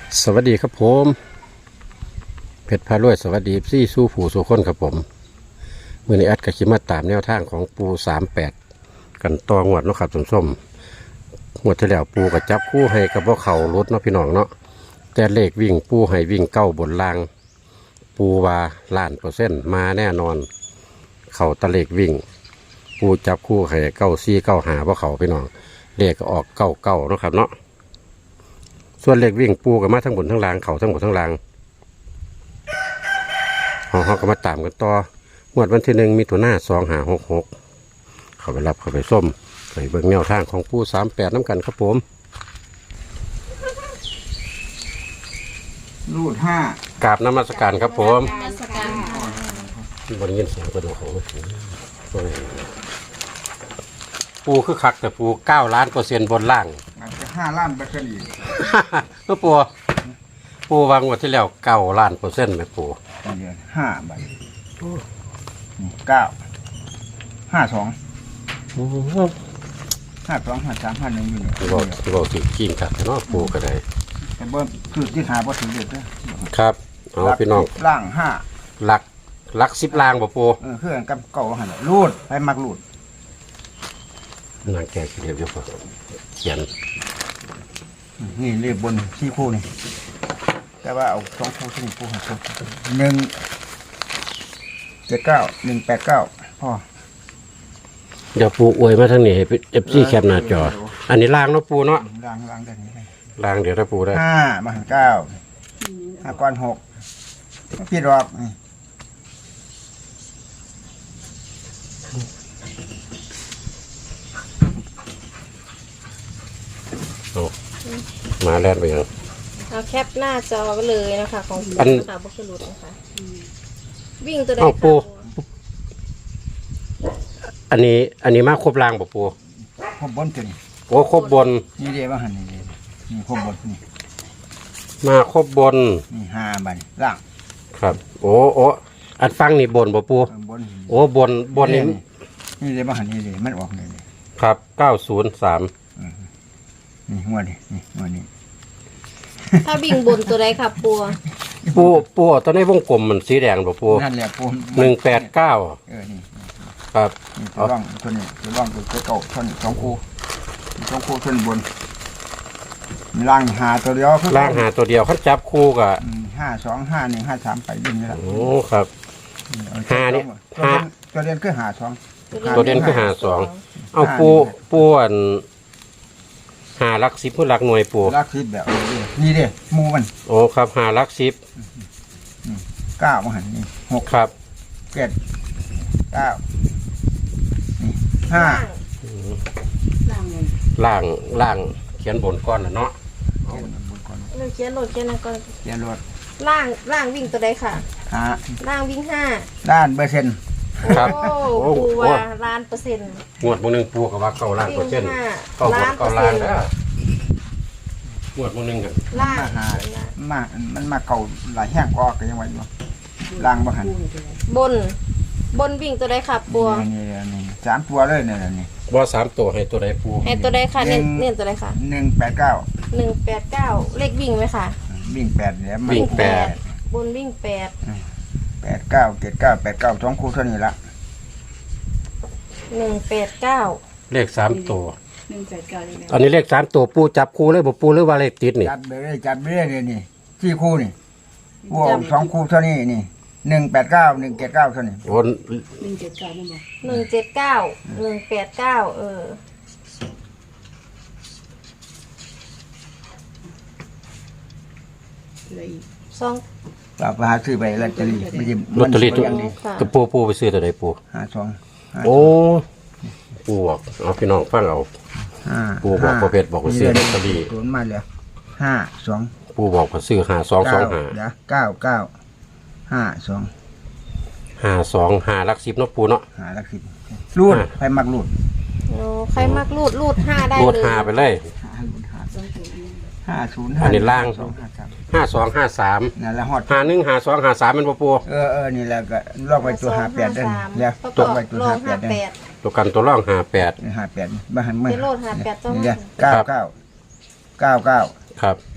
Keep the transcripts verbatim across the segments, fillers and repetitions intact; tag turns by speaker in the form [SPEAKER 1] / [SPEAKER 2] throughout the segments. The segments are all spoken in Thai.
[SPEAKER 1] สวัสดีครับผมเพชรพารวยสวัสดีซี่สู้ผู้สู้คนครับผมมือนี้แอดกับคิมาตามแนวทางของปูสามแปดกันต่องวดเนาะครับส้มส้มงวดที่แล้วปูกับจับคู่ให้กับพวกเขารถเนาะพี่น้องเนาะแต่เลขวิ่งปูให้วิ่งเก้าบนล่างปูว่าล้านเปอร์เซ็นต์มาแน่นอนเข่าตะเลขวิ่งปูจับคู่ให้เก้าซี่เก้าหาพวกเขาพี่น้องเลขก็ออกเก้าเก้าเนาะครับเนาะส่วนเลขวิ่งปูกับมาทั้งบนทั้งล่างเขาทั้งบนทั้งล่างห้องเขาก็มาตามกันต่องวดวันที่หนึ่งมีตัวหน้าสองหาหกหกเขาไปรับเขาไปส้มไปเบิ่งแนวทางของปูสามแปดน้ำกันครับผม
[SPEAKER 2] รูดห้าก
[SPEAKER 1] ราบน้ำมัสการครับผม
[SPEAKER 3] มาสการค่ะ
[SPEAKER 1] บริเวณเสียงกระดูกของปูคือคักแต่ปูเก้าล้านเปอร์เซ็นต์บนล่าง
[SPEAKER 2] อาจจะห้าล้านเปอร์เซ็นต์อีก
[SPEAKER 1] เมื่อปูปูวางงวดที่แล้วเก้าล้านเปอร์เซ็นต์ไหมปู
[SPEAKER 2] เดือนห้าใบเก้าห้าสองห้าสองห้าสามห้าหนึ่งอยู่เนี่ย
[SPEAKER 1] ที่บอกที่บอกสิกิ้งกัดเนาะปูก็ได้
[SPEAKER 2] แต่เบิ้ลคือที่หาพอถึงเด็ดนะครับ
[SPEAKER 1] เอาพี่น้อง
[SPEAKER 2] ล่างห้า
[SPEAKER 1] หลักหลักสิบล่างบ่ปู
[SPEAKER 2] เออเครื่องกับเก่าหันรูดไปมักรูด
[SPEAKER 1] นางแก่เดียวเดียวพอเขียน
[SPEAKER 2] นี่เรียบบนที่คู่นี่แต่ว่าเอาสองคู่ที่คู่หันหนึ่งเจ็ดเก้าหนึ่งแปดเก้าพ่อ
[SPEAKER 1] เดี๋ยวปูอวยมาทางนี้ให้เอฟซีแคปหน้าจอ อันนี้ล่างเนาะปูเนาะ
[SPEAKER 2] ล่างล่างได้นี้
[SPEAKER 1] ล่างเดี๋ยวถ้าปูได้
[SPEAKER 2] ห้ามาหันเก้าห้าก้อนหกพี่ดอกนี่
[SPEAKER 1] เอามาแล่นไปยัง
[SPEAKER 3] เราแคปหน้าจอไปเลยนะคะของ
[SPEAKER 1] อัน
[SPEAKER 3] ค่ะบุคลุดนะคะวิ่งตัวใด
[SPEAKER 1] เอาปู
[SPEAKER 3] ค่ะ
[SPEAKER 1] อันนี้อันนี้มาครบล่างบ่ปู
[SPEAKER 2] ครบบนจน
[SPEAKER 1] โอ้ครบบน
[SPEAKER 2] นี่เดียวว่าหันนี่เดียวนี่ครบบนนี่
[SPEAKER 1] มาครบบน
[SPEAKER 2] นี่ห้าใบล่าง
[SPEAKER 1] ครับ โอ้โอ้อันฟังนี่บนบ่ปู
[SPEAKER 2] ข้างบน
[SPEAKER 1] โอ้บนบนนี่
[SPEAKER 2] นี่เดียวว่าหันนี่เดียวมันออกนี่เลย
[SPEAKER 1] ครับเก้าศูนย์สาม
[SPEAKER 2] นี่หัวนี่นี่หัวนี่
[SPEAKER 3] ถ้าวิ่งบนตัวใดค่ะปัว
[SPEAKER 1] ปูปูตอนนี้วงกลมมันสีแดงบ่ปู
[SPEAKER 2] นั่นแหละปู
[SPEAKER 1] หนึ่งแปดเก้า
[SPEAKER 2] เออนี่
[SPEAKER 1] ครับ
[SPEAKER 2] นี่ตัวร่องตัวนี้ตัวร่องตัวเก่าตัวนี้สองคู่สองคู่ตัวบนล่างหาตัวเดียว
[SPEAKER 1] ล่างหาตัวเดียวเขาจับคู่กับ
[SPEAKER 2] ห้าสองห้าหนึ่งห้าสามไปดิ้นนี่แหละ
[SPEAKER 1] โอ้ครับ ห้านี่ห้า
[SPEAKER 2] ตัวเดียนคือหาสอง
[SPEAKER 1] ตัวเด่นคือหาสองเอาปูปูอันหาลักสิบเพื่อลักหน่วยปู
[SPEAKER 2] ลักซิบแบบนี้นี่เด้มูมัน
[SPEAKER 1] โอ้ครับหาลักสิบ
[SPEAKER 2] เก้ามาหันนี่หก
[SPEAKER 1] ครับ
[SPEAKER 2] เจ็ดเก้านี่ห้า
[SPEAKER 1] ล่างล่างเขียนบนก้อนนะเนาะ
[SPEAKER 3] เราเขียนโหลดเขียนนะก่อน
[SPEAKER 2] เขียนรถ
[SPEAKER 3] ล่างล่างวิ่งตัวใดค่ะ
[SPEAKER 2] หา
[SPEAKER 3] ล่างวิ่งห้า
[SPEAKER 2] ด้านเปอร์เซ็นต์
[SPEAKER 1] ครับ
[SPEAKER 3] โอ้
[SPEAKER 1] โอ้
[SPEAKER 3] ปู
[SPEAKER 1] โห
[SPEAKER 3] ว่าล้านเปอร์เซ็นต์
[SPEAKER 1] งวดมือหนึ่งปูกับว่าเก้าล้านเปอร์เซ็นต์
[SPEAKER 3] วิ่งห้า
[SPEAKER 1] เก้าบน
[SPEAKER 3] ล้านเป
[SPEAKER 1] เก้า
[SPEAKER 3] อร์
[SPEAKER 1] ล้า
[SPEAKER 3] เซ็
[SPEAKER 1] น
[SPEAKER 3] นต์
[SPEAKER 1] นะงวดมือหนึ่งกัน
[SPEAKER 3] ล่าง
[SPEAKER 2] มาหามามันมาเก่าหลายแห้งกว่าก็ยังไงอยู่ล่างมาหัน
[SPEAKER 3] บน บนวิ่งตัวใดค่ะปัว
[SPEAKER 2] นี่นี่สามตัวเลยเนี่ยนี่
[SPEAKER 1] ว่าสามตัวให้ตัวใดปู
[SPEAKER 3] ให้ตัวใดค่ะเน้นเน้นตัวใดค่ะ
[SPEAKER 2] หนึ่งแปดเก้า
[SPEAKER 3] หนึ่งแปดเก้าเลขวิ่งไหมค่ะ
[SPEAKER 2] วิ่งแปดเนี่ยมัน
[SPEAKER 1] วิ่งแปด
[SPEAKER 3] บนวิ่งแปด
[SPEAKER 2] แปดเก้าเจ็ดเก้าแปดเก้าสองคู่เท่านี้ละ
[SPEAKER 3] หนึ่งแปดเก้า
[SPEAKER 1] เลขสามตัว
[SPEAKER 4] หนึ่งแปดเก้าเลยนะ
[SPEAKER 1] อันนี้เลขสามตัวปูจับคู่เลยบ่ปูหรือว่าเลขติดนี่
[SPEAKER 2] จัดไปเลยจัดไปเลยเนี่ยนี่ที่คู่นี่บวกสองคู่เท่านี้นี่หนึ่งแปดเก้าหนึ่งเจ็ดเก้าเท่านี้
[SPEAKER 1] โอ้
[SPEAKER 4] หนึ่งเจ็ดเก้าไม่บอก
[SPEAKER 3] หนึ่งเจ็ดเก้าหนึ่งแปดเก้าเออ
[SPEAKER 4] อะไรอีก
[SPEAKER 3] สอง
[SPEAKER 2] เราไปหาซื้อไปลอตเตอรี่ไม่ใช่
[SPEAKER 1] ลอตเตอรี่ตัว
[SPEAKER 2] มันสวยอย่างนี้
[SPEAKER 3] ค่ะ
[SPEAKER 1] กับปูปูไปซื้อตัวใดปู
[SPEAKER 2] ห้าสองห้า
[SPEAKER 1] โอ้ปูบอกเอาพี่น้องฟังเอา
[SPEAKER 2] ห้า
[SPEAKER 1] ปู่บอกประเภทบอกว่าซื้อลอตเตอรี่
[SPEAKER 2] ศูนย์มาเลยห้าสอง
[SPEAKER 1] ปูบอกว่าซื้อหาสองสองหา
[SPEAKER 2] เดี๋ยวเก้าเก้าห้าสอง
[SPEAKER 1] หาสองหาลักสิบเนาะปูเนาะ
[SPEAKER 2] หาลักสิบรูดไปมักรูด
[SPEAKER 3] โอ้ใครมักรูดรูดห้าได้
[SPEAKER 1] รูด
[SPEAKER 3] เลย
[SPEAKER 1] หาไปเลย
[SPEAKER 2] ห้ารูดห้า
[SPEAKER 4] สองตัวนี้
[SPEAKER 2] ห้าศูนย์
[SPEAKER 1] อันนี้ล่าง
[SPEAKER 2] สองห้าสาม
[SPEAKER 1] ห้าสองห้าสาม
[SPEAKER 2] นั่นแหละฮอด
[SPEAKER 1] หาหนึ่งหาสองหาสามเป็นปูปู
[SPEAKER 2] เออเออนี่แหละก็ลอกไปตัวหาแปดได้แล้ว
[SPEAKER 3] ประ
[SPEAKER 2] ต
[SPEAKER 3] กอก บ
[SPEAKER 2] ไปตัว
[SPEAKER 3] รอ
[SPEAKER 2] หาง แป
[SPEAKER 3] ห้า
[SPEAKER 2] ดได้
[SPEAKER 3] แปด
[SPEAKER 1] ตัวกันตัวร่องหาแปด
[SPEAKER 2] หาแปดบ้านเมื่อ
[SPEAKER 3] เจโรดหาแปดต้อง
[SPEAKER 2] นี่เก้าเก้าเก้าเก้า
[SPEAKER 1] ครับ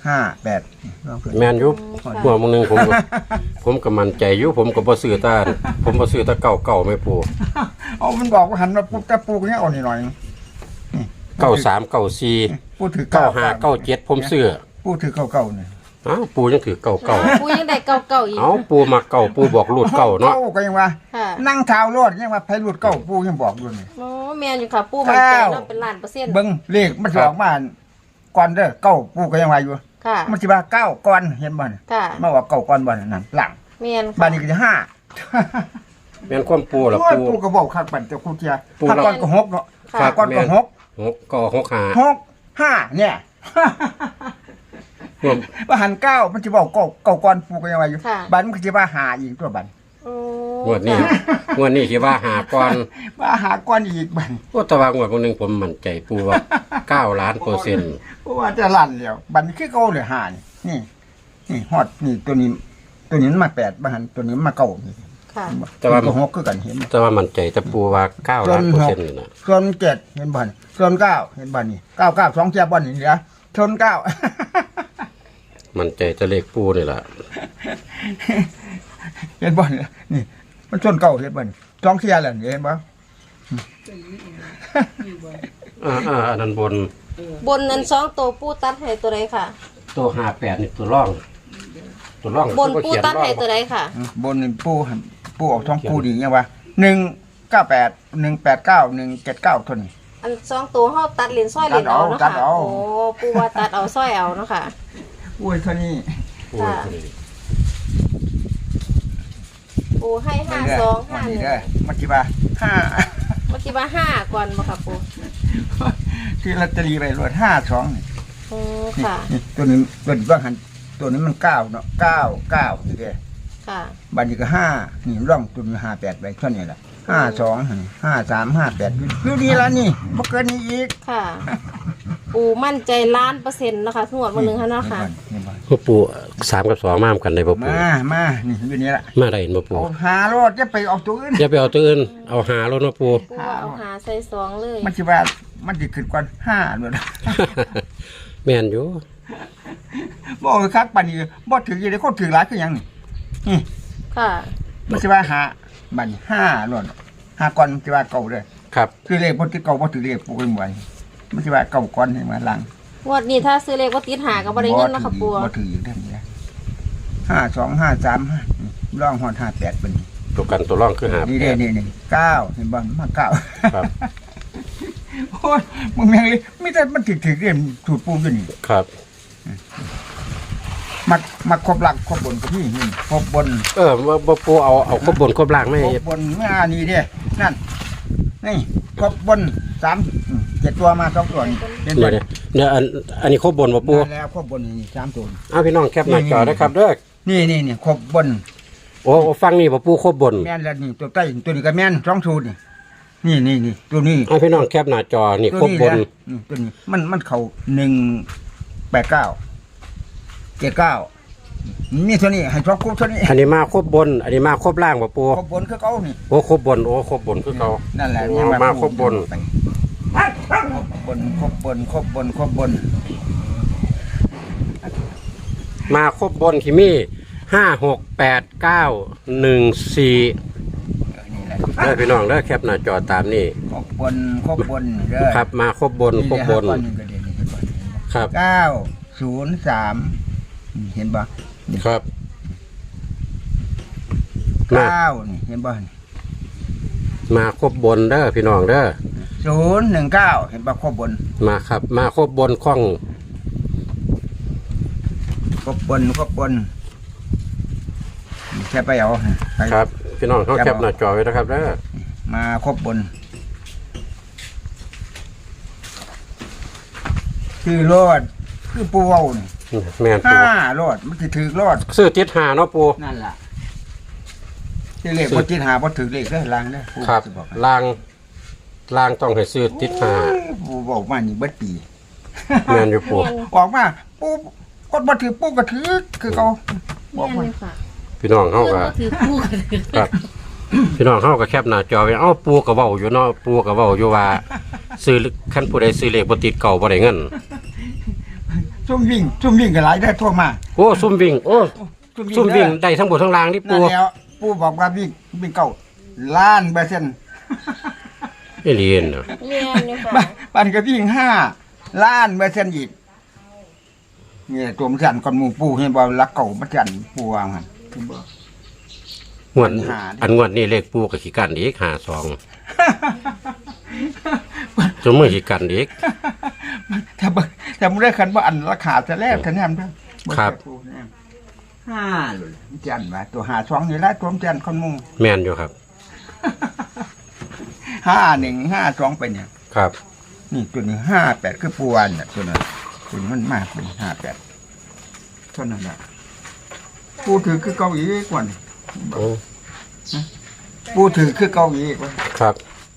[SPEAKER 2] ห้าแปดลองเพิ่น
[SPEAKER 1] แมนอยุบ
[SPEAKER 3] ค่ะ
[SPEAKER 1] หัวมึงหนึงผมก็ ผมก็มั่นใจอยู่ผมก็บ่ซื้อตาผมบ่ซื้อตาเก่าเก่าไม่ปู
[SPEAKER 2] เอามันบอกว่าหันมาปุ๊บแต่ปูเนี่ยเอาหน่อยๆนี่
[SPEAKER 1] เก้าสามเก้าสี่
[SPEAKER 2] ปูถือ
[SPEAKER 1] เก้าห้าเก้าเจ็ดผมซื้อ
[SPEAKER 2] ปูถือเก้าเก้าเนี่ย
[SPEAKER 1] เอ้าปูยังถือเก่าเก่า
[SPEAKER 3] ปูยังได้เก่าเก่าอีก
[SPEAKER 1] เอ้าปูมาเก่าปูบอกรูดเก่าเนาะ
[SPEAKER 2] เก้าก็ยังว่า
[SPEAKER 3] ค่ะ
[SPEAKER 2] นั่งเท้ารถยังว่าไผหลุดเก้าปูยังบอกอยู่นี่
[SPEAKER 3] โอ้แมนอยู่ค่ะ ปูมันใจเนาะเป็นล้านเปอร์เซ็นต์
[SPEAKER 2] เบิ่งเลขมันสิออกมาก่อนเด้อเก้าปูก็ยังว่าอยู่
[SPEAKER 3] ค่ะ
[SPEAKER 2] มันสิว่าเก้าก่อนเห็นบ่นี่
[SPEAKER 3] ค่ะ
[SPEAKER 2] มาว่าเก้าก่อนบ่นั่นหลัง
[SPEAKER 3] แมน
[SPEAKER 2] บ้า
[SPEAKER 3] ค่ะ
[SPEAKER 2] นนี้ก็จะห้า
[SPEAKER 1] แม่นความปูล่ะ
[SPEAKER 2] โอ้ย
[SPEAKER 1] ปู
[SPEAKER 2] ปูก็บอกคักปันเจ้าครูเทีย
[SPEAKER 1] ปู
[SPEAKER 2] ถ้า
[SPEAKER 1] เรา
[SPEAKER 2] ก่อนก็หกเนาะ
[SPEAKER 3] ค่ะ
[SPEAKER 2] ถ้าก่อนก็หก
[SPEAKER 1] หกก็หกห้า
[SPEAKER 2] หกห้าเนี่ย
[SPEAKER 1] รวม
[SPEAKER 2] ว่าหันเก้ามันจะบอกเก้าเก้าก่อนปูก็ยังว่าอยู่
[SPEAKER 3] ค่ะ
[SPEAKER 2] บันมันก็จะว่าหาอีกตัวบัน
[SPEAKER 3] โอ้
[SPEAKER 1] งวดนี้งวดนี้คิดว่าหาก่อน
[SPEAKER 2] ว่าหาก่อนอีกบัน
[SPEAKER 1] โอ้แตะวางวดมึงหนึงผมมั่นใจปูว่าเก้าล้านเปอร์เซ็นต์
[SPEAKER 2] เพราะว่าจะลั่นแล้วบันคือเก้าเลยหานี่นี่นี่ฮอดนี่ตัวนี้ ตัวนี้มันมาแปดบันตัวนี้มันมาเก้านี่
[SPEAKER 3] ค่ะ
[SPEAKER 1] แต่ว่า
[SPEAKER 2] ตัวหกคือกันเห็นบ่
[SPEAKER 1] แต่ว่ามั่นใจแต่ปูว่าเก้าล้านเปอร์เซ็นต์นี่นะ
[SPEAKER 2] ส่วนเจ็ดเห็นบ่นส่วนเก้าเห็นบ่นนี่เก้าเก้าสองเทียบบ่นนี่เหลือชนเก้า
[SPEAKER 1] มั่นใจจะเลขปูนี่ล่ะ
[SPEAKER 2] เห็นบ่เนี่ยนี่ มันชนเก่าเห็นบ่นี่สองเทียแหละนี่เห็นบ่
[SPEAKER 4] เป็นนี่เองมีบ่
[SPEAKER 1] อ่าอ่าอันนั้นบน
[SPEAKER 4] เออบ
[SPEAKER 3] นนั้นสองตัวปูตัดให้ตัวใดค่ะ
[SPEAKER 1] ตัวห้าแปดนี่ตัวร่อง ตัวร่อง
[SPEAKER 3] บนปูตัดให้ตัวใดค่ะ
[SPEAKER 2] บนนี่ปูหั่นปูออกท้องปูดียังว่าหนึ่งเก้าแปดหนึ่งแปดเก้าหนึ่งเจ็ดเก้าเท่านี้
[SPEAKER 3] อันสองตัวเฮาตัดเหรียญสร้อยเหรียญเอาเนาะ
[SPEAKER 2] ตั
[SPEAKER 3] ค่ะ
[SPEAKER 2] ดเอา
[SPEAKER 3] โอ้ปูว่าตัดเอาสร้อยเอาเนาะค่ะ
[SPEAKER 2] อุ้ยเท่านี้
[SPEAKER 1] ปู
[SPEAKER 3] ค่ะ ปูให้ห้าสองห้าห
[SPEAKER 2] นี่
[SPEAKER 3] นึ่ง
[SPEAKER 2] เด้อมันสิว่าห้า
[SPEAKER 3] เมื่อกี้ว่าห้าก่อนบ่ค่ะปู
[SPEAKER 2] ที่ลอตเตอรี่ไปรวดห้าสองนี่
[SPEAKER 3] โอ้
[SPEAKER 2] นี่
[SPEAKER 3] ค่ะ
[SPEAKER 2] นี่ตัวนี้ตัวนี้ว่าหันตัวนี้มันเก้าเนาะเก้าเก้านี่เด้อ
[SPEAKER 3] ค่ะ
[SPEAKER 2] บันนี้ก็ห้านี่ร่องตัวนี้ห้าแปดไปเท่านี้แหละห้าสองห้าสามห้าแปดอยู่ดีแล้วนี่บ่เกินนี้อีก
[SPEAKER 3] ค่ะ ปูมั่นใจล้านเปอร์เซ็นต์นะคะทั้งหมดวันหนึ่งค่ะเนาะค่ะ
[SPEAKER 2] นี่บ่
[SPEAKER 1] พ่อปูสามกับสองมามกันได้บ่ปู
[SPEAKER 2] มามานี่อยู่นี่ละ
[SPEAKER 1] มาได้เห็นบ่ปู
[SPEAKER 2] เอาหารถจะไปออกตัวอื่น
[SPEAKER 1] อย่าไปเอาตัวอื่นเอาหาแล้วเนาะปู
[SPEAKER 3] ปูว่าเอาหาใส่สองเลย
[SPEAKER 2] มันสิว่ามันสิขึ้นก่อนห้าด้วยนะ
[SPEAKER 1] แม่นอยู่
[SPEAKER 2] บ่เอาคักปานนี้บ่ถืออยู่ได้คนถือหลายคือหยังนี่นี่
[SPEAKER 3] ค่ะ
[SPEAKER 2] มันสิว่าหาบัดนี้ห้าล้วนห้าก่อนมันสิว่าเก่าเลย
[SPEAKER 1] ครับ
[SPEAKER 2] คือเลขบ่ถือเก่าบ่ถือเลขปูกันบ่อยมันสิว่าเก่าก่อนให้มาหลัง
[SPEAKER 3] งวดนี้ถ้าซื้อเลขว่าติดหากับบริเงินเนาะค่ะปู
[SPEAKER 2] บ่ถืออยู่เด้านนี้นะห้าสองห้าสามห้าร่องฮอดห้าแปดเป็นนี่
[SPEAKER 1] ตัวกันตัวร่องคือหา
[SPEAKER 2] นี่
[SPEAKER 1] แป
[SPEAKER 2] เด้
[SPEAKER 1] ด
[SPEAKER 2] นี่นี่เก้าเห็นบ่มาเก้า
[SPEAKER 1] ครับ
[SPEAKER 2] โอ้ยมึงแม่งเลยไม่แต่มันถึกถึกเรียนสูตรปูอยู่นี่
[SPEAKER 1] ครับ
[SPEAKER 2] มักมักครบหลักครบบนก็นี่นี่ครบบน
[SPEAKER 1] เออบ่บ่ปูเอาเอาครบบนครบล่างไม่
[SPEAKER 2] ครบบนเมื่อนี่เด้นั่นนี่ครบบนสามอืมเจ็ดตัวมาสองตัวนี่เห็น
[SPEAKER 1] เดี๋
[SPEAKER 2] บ่
[SPEAKER 1] ยวเดี๋ยวเดี๋ยวอันอันนี้ครบบนบ่ปู
[SPEAKER 2] มาแล้วครบบนนี่สามตัว
[SPEAKER 1] เอาพี่น้องแคปหน้าจอนะครับเด้อ
[SPEAKER 2] นี่นี่นี่ครบบน
[SPEAKER 1] โอ้ฟังนี่บ่ปูครบบน
[SPEAKER 2] แม่นแล้วนี่ตัวใต้ตัวนี้ก็แม่นสองสูตรนี่นี่นี่นี่ตัวนี้
[SPEAKER 1] เอาพี่น้องแคปหน้าจอนี่
[SPEAKER 2] ตัว
[SPEAKER 1] ครบบน
[SPEAKER 2] แหละอืมตัวนี้มันมันเข้าหนึ่งแปดเก้าเจ็ดเก้านี่เท่านี้ให้ชอบคู่เท่านี้
[SPEAKER 1] อันนี้มาครบบน อันนี้มาครบล่างบ่ปู
[SPEAKER 2] ครบบนคือเขานี่
[SPEAKER 1] โอ้ครบบนโอ้ครบบนคือเขา
[SPEAKER 2] นั่นแหละ
[SPEAKER 1] โอ้
[SPEAKER 2] เนี่ย
[SPEAKER 1] มาครบบน
[SPEAKER 2] บนครบบนครบบนครบบน
[SPEAKER 1] มาครบบนที่มีห้าหกแปดเก้าหนึ่งสี่
[SPEAKER 2] เออนี่แหละ
[SPEAKER 1] เด้อพี่น้องเด้อแคปหน้าจอตามนี่
[SPEAKER 2] ครบบนครบบนเด้อ
[SPEAKER 1] ครับมาครบบนครบบน
[SPEAKER 2] นี่แหละห้าก้อนหนึ่งก็เด่นนี่เห็นบ่
[SPEAKER 1] ครับ
[SPEAKER 2] เก้าศูนย์สามเห็นบ่นี่
[SPEAKER 1] ครับ มา
[SPEAKER 2] เก้านี่เห็นบ่
[SPEAKER 1] มาครบบนเด้อพี่น้องเด้อ
[SPEAKER 2] ศูนย์หนึ่งเก้าเห็นบ่ครบบน
[SPEAKER 1] มาครับ มาครบบนข้อง
[SPEAKER 2] ครบบนครบบนแค่ไปเอาไป
[SPEAKER 1] ครับ พี่น้องเขาแคปหน้าจอไว้นะครับเด้อ
[SPEAKER 2] มาครบบนคือรอดคือปูเว้านี่
[SPEAKER 1] แม่นปู
[SPEAKER 2] ห้ารอดมันสิถือรอด
[SPEAKER 1] ซื้อติดหาเนาะปู
[SPEAKER 2] นั่นล่ะที่เลขบ่จิตหาบ่ถือเลขเด้อลางเด้อปู
[SPEAKER 1] ครับ
[SPEAKER 2] สิบอกให้
[SPEAKER 1] ล่างล่างต้องให้ซื้อติดหา
[SPEAKER 2] โอ้ยปูบอกมานี่เบิดปี
[SPEAKER 1] แม่นอยู่ปู
[SPEAKER 2] ออกมาปูกดบ่ถือปูก็ถือคือเขาบอก
[SPEAKER 3] แม่
[SPEAKER 2] มา
[SPEAKER 3] นอยู่ค่ะ
[SPEAKER 1] พี่น้องเขา
[SPEAKER 3] เพื่อน
[SPEAKER 1] ก็
[SPEAKER 3] ก็ถือคู่กันเลย
[SPEAKER 1] ครับ พี่น้องเขาก็แคปหน้าจอไว้เอ้าปูก็เว้าอยู่เนาะปูก็เว้าอยู่ว่าซื้อคันผู้ใดซื้อเลขบ่ติดเก่าบ่ได้เงิน
[SPEAKER 2] ซุ่มวิ่งซุ่มวิ่งกันหลายได้ทั่วมา
[SPEAKER 1] โอ้ซุ่มวิ่งโอ้ซุ่มวิ่งได้ทั้งบนทั้งล่างนี่
[SPEAKER 2] นั่
[SPEAKER 1] ปู
[SPEAKER 2] นแล้วปูบอกว่าวิ่งวิ่งเก่าล้านเปอร์เซ็นต์
[SPEAKER 1] ไม่เรียนเนาะ
[SPEAKER 3] เรียนอยู่ค่ะ
[SPEAKER 2] บ้านบ้านก็วิ่งห้าล้านเปอร์เซ็นต์อีกเนี่ยตัวมันสั่นก่อนหมู่ปูเห็นบ่รักเก่ามันสั่นปูวางหั่นเห็นบ่
[SPEAKER 1] งวด
[SPEAKER 2] ปัญหาดิ
[SPEAKER 1] อันงวดนี่เลขปูกับขี้กันอีกหาสองจนมือขี้กันอีก
[SPEAKER 2] ถ้าบ่ถ้ามึงได้คันว่าอันราคาจะแลกคะแนนเด้อ
[SPEAKER 1] ครับ
[SPEAKER 2] ห้าเลยมันจันว่าตัวหาสองนี่ละตัวมันจันคนมุง
[SPEAKER 1] แม่นอยู่ครับ
[SPEAKER 2] ห้าหนึ่งห้าสองไปเนี่ย
[SPEAKER 1] ครับ
[SPEAKER 2] นี่ตัวนี้ห้าแปดคือปวนเนี่ยตัวนั้นตัวนี้มันมากเป็นห้าแปดเท่านั้นแหละปูถือคือเกาหลีกว่านี่
[SPEAKER 1] โอ้
[SPEAKER 2] ปูถือคือเกาหลีกว่า
[SPEAKER 1] ครับ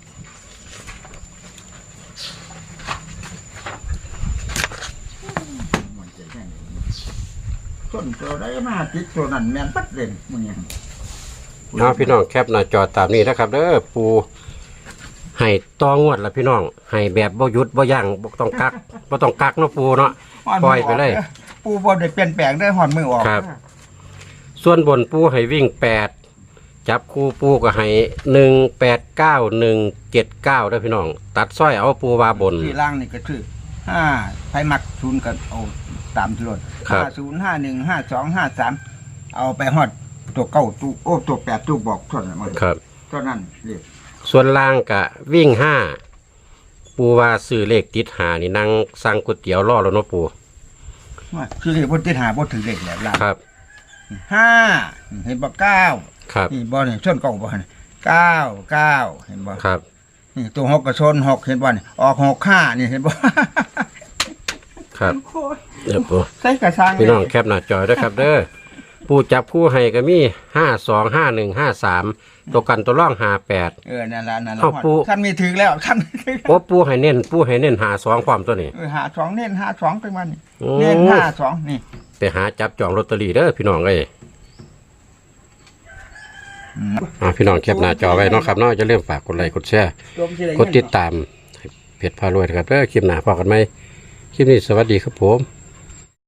[SPEAKER 2] มันจะแค่นี้ต้นตัวได้มาติดตัวนั้นแม่นปัดเลยมึงยัง
[SPEAKER 1] เอาพี่น้องแคปหน้าจอตามนี้นะครับเด้อปูให้ตองวดละพี่น้องให้แบบบ่หยุดบ่ยั้งบ่ต้องกักบ่ต้องกักเนาะปูเนาะปล่อยไปเลย
[SPEAKER 2] ปูบ่ได้เปลี่ยนแปลงได้หอนมือออก
[SPEAKER 1] ครับ ส่วนบนปูให้วิ่งแปดจับคู่ปูก็ให้หนึ่งแปดเก้าหนึ่งเจ็ดเก้าด้วยพี่น้อง ตัดสร้อยเอาปูวาบน
[SPEAKER 2] ที่ล่างนี่ก็คือห้าไผมักศูนย์กันเอาตามที่รถ
[SPEAKER 1] ครับ
[SPEAKER 2] ห้าศูนย์ห้าหนึ่งห้าสองห้าสามเอาไปฮอดตัวเก้าตู้โอ้ตัวแปดตู้บอกเท่านั้นมัน
[SPEAKER 1] ครับ
[SPEAKER 2] เท่านั้นเรียก
[SPEAKER 1] ส่วนล่างกะวิ่งห้าปูว่าซื้อเลขติดหานี่นั่งสั่งก๋วยเตี๋ยวรอแล้วเนาะปู
[SPEAKER 2] ว่าคือเรียกว่าติดหาบ่ถึงเลขแล้วล่าง
[SPEAKER 1] ครับ
[SPEAKER 2] ห้าเห็นบ่เก้า
[SPEAKER 1] ครับ
[SPEAKER 2] นี่บ่นี่ชนเก้าบ่นี่เก้าเก้าเห็นบ่
[SPEAKER 1] ครับ
[SPEAKER 2] นี่ตัวหกก็ชนหกเห็นบ่นี่ออกหกห้านี่เห็นบ่
[SPEAKER 1] ครับเดี๋ยวปู
[SPEAKER 2] ใส่กระชัง
[SPEAKER 1] พี่น้องแคปหน้าจอยด้วยครับเด้อปูจับคู่ให้ก็มีห้าสองห้าหนึ่งห้าสามตัวกันตัวร่องห้าแปด
[SPEAKER 2] เออนั่นล่ะนั่นล่ะ
[SPEAKER 1] เอาปู
[SPEAKER 2] ท่านมีถึงแล้วท่านมีถึง
[SPEAKER 1] โอ้ปูให้เน้นปูให้เน้นหาสองความตัวนี้
[SPEAKER 2] เออหาสองเน้นหาสองไปมันนี่
[SPEAKER 1] โอ้
[SPEAKER 2] เน้นห้าสองนี่
[SPEAKER 1] ไปหาจับจองลอตเตอรี่เด้อพี่น้องเอ้ย
[SPEAKER 2] อืม
[SPEAKER 1] อ่าพี่น้องแคปหน้าจอไว้เนาะครับเนาะจะเริ่าลืมฝากกดไลค์กดแชร์กดติดตามเพจพารวยนะครับเด้อคลิปหน้าพอกันไหมคลิปนี้สวัสดีครับผม